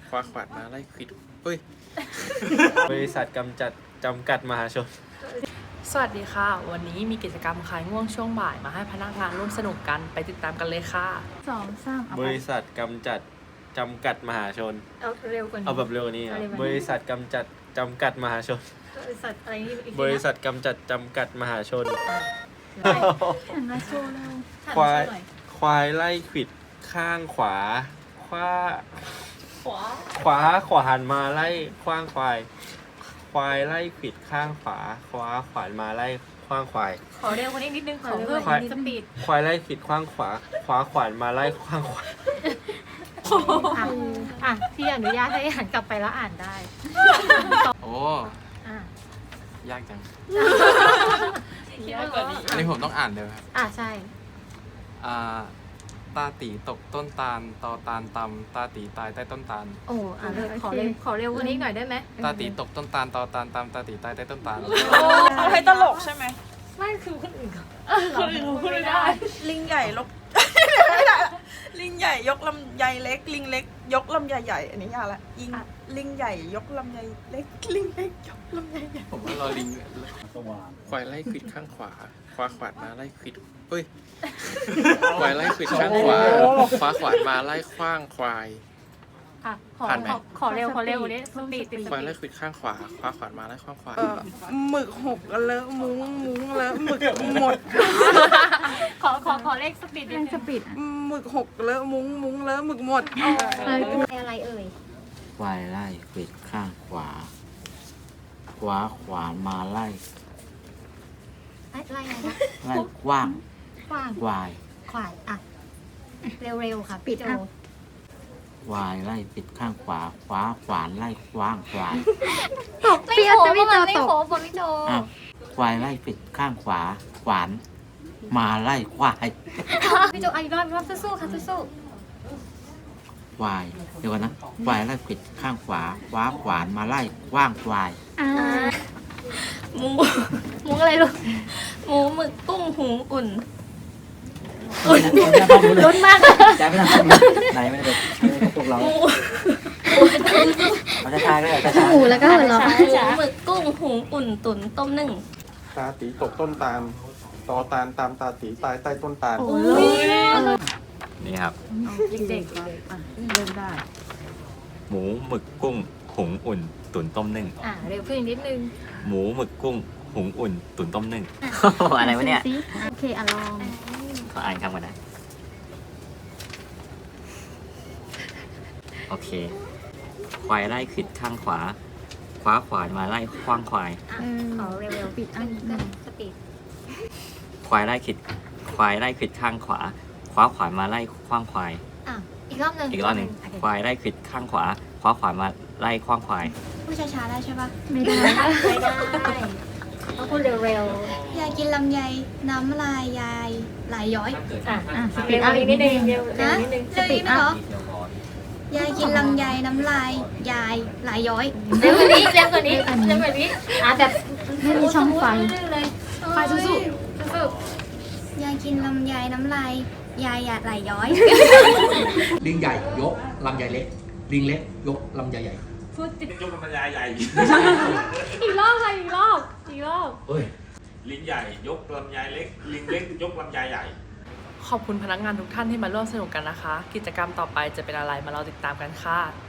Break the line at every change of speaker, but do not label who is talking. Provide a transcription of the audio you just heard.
คว้าขวานมาไล่ควิดเฮ้ย
บริษัทกำจัดจำกัดมหาชน
สวัสดีค่ะ วันนี้มีกิจกรรมคลายง่วงช่วงบ่ายมาให้พนักงานร่วมสนุกกันไปติดตามกันเลยค่ะ
บริษัทกำจัดจำกัดมหาชน
เอาเร็วกว่านี้
เอาแบบเร็วกว่านี้ครับบริษัทกำจัดจำกัดมหาชน
บริษัทอะไรนี่อีกทีนะ
บริษัทกำจัดจำกัดมหาชน
หันมาโชว์เร็ว
ควาย
หันมโชว์หน่อ
ควายไล่ขวิดข้างขวาขวา ขวาหันมาไล่ขว้างควาย ควายไล่ขวิดข้างขวาขวาขวานมาไล่ขว้างควาย
ขอเร็วกว่านี้นิดนึงขอเพิ่ม
ควาย
สปีด
ควายไล่ขวิดข้างขวาขวาขวานมาไล่ขว้างควาย
อ่ะพี่อนุญาตให้หันกลับไปแล้วอ่านได้
โอ้
อ่ะ
ยากจัง
ยากกว่านี้
อันนี้ผมต้องอ่านเลยครับ
อ่ะใช่
ตาตีตกต้นตาลตอตาลตำตาตีตายใต้ต้นตาล
โอ้อ่ะเลยขอเร็วกว่านี้หน่อยได้ไหม
ตาตีตกต้นตาลตอตาลตำตาตีตายใต้ต้นตาล
เอาให้ตลกใช่ไหม
ไม่คือคนอื่นเขา
คนอื่นพูดไม่ได้
ลิงใหญ่ลก ไม่ได้ละลิงใหญ่ยกลำไยเล็ก ลิงเล็ก ยกลำไยใหญ่อันนี้ยากละลิงใหญ่ยกลำไยเล็ก ลิงเล็กยกลำไยใหญ่
ผมว่ารอลิงควายไล่ควิดข้างขวาคว้าขวานมาไล่ควิดเฮ้ย ควายไล่ควิดข้างขวาคว้าขวานมาไล่ขว้างควาย
อ่ะขอ
ผ่านไหม
ขอเร็วกว่านี้สปีดติดส
ควาย
ปี
ไล่
ด
ควิดข้างขวาคว้าขวานมาไล่ขว้างควาย
หมึกหกเลอะมุ้งเลอะหมึกหมด
ขอเลขสปีดนิดนึงสปีด
หมึกหกเลอะมุ้งเลอะหมึกหมด
อะไรเอ่ย
ควายไล่ขวิดข้างขวา ขวาขวานมาไล่
ไล่อะไรนะ
ไล่กว้าง
กว้าง
ควาย
ขวายอ่ะเร็วๆค่ะปิดโจ
ควายไล่ปิดข้างขวา ขวาขวานไล่กว้างควาย
ตกเปรี้ยวจะไม่ตกไม่โจ
อ้าวควายไล่ปิดข้างขวา ขวานมาไล่ควาย
พี่โจอีกรอบสู้ๆค่ะสู้
ควายเดี๋ยวก่อนนะควายไล่ปิดข้างขวา ขวาขวานมาไล่กว้างควาย
หมูอะไรลูกหมูหมึกกุ้งหุงอุ่นลุ้นมาก
ใจไม่ทำไหนไม่ได้พวกเราเราจะทายก็ได้จะ
หมูแล้วก็หัวเราะหมูหมึกกุ้งหุงอุ่นตุ๋นต้มนึ่ง
ตาตีตกต้นตาลตอตาลตามตาตีตายใต้ต้นตาล
นี่ครับ
เด็กๆเริ่มได้
หมูหมึกกุ้งหุงอุ่น ตุ๋นต้มนึ่ง
เร็วขึ้นอีกนิดนึง
หมูหมึกกุ้งหุงอุ่น ตุ๋นต้มนึ่ง
อะไรวะเนี่ย
โอเคลอง
ขออ่านคำก่อนนะ โอเค ควายไล่ขวิดข้างขวา ขวาขวานมาไล่ขว้างควาย
ขอเร็วๆปิดอันนี้ก็สปีด
ควายไล่ขวิดข้างขวา ขวาขวานมาไล่ขว้างควาย
อีกรอบหนึ่ง
อีกรอบหนึ่งควายไล่ขวิดข้างขวา ขวาขวานมาไล่ขว้างควาย
พูดช้าๆได้ใช่ปะไม่ได้ต้องพูดเร็วย
ายกินลำไยน้ำลายยายไหลย้อย
สปีดอีกนิดนึงเร็ว
นะ
นิดนึง
เรื่องนี้ไหมเหรอยายกินลำไยน้ำลายยายไหลย้อย
เร็วกว่านี้แบบไม่มีช่องไฟเลยไฟสู้ๆ
ยายกินลำไยน้ำลายยายไหลย้อย
ลิงใหญ่ยกลำใหญ่เล็ก ลิงเล็กยกลำใหญ่ใหญ่
อีกรอบค่ะอีกรอบ
เฮ้ย
ลิงใหญ่ยกลำไยเล็ก ลิงเล็กยกลำไยใหญ่
ขอบคุณพนักงานทุกท่านที่มาร่วมสนุกกันนะคะ กิจกรรมต่อไปจะเป็นอะไรมาเราติดตามกันค่ะ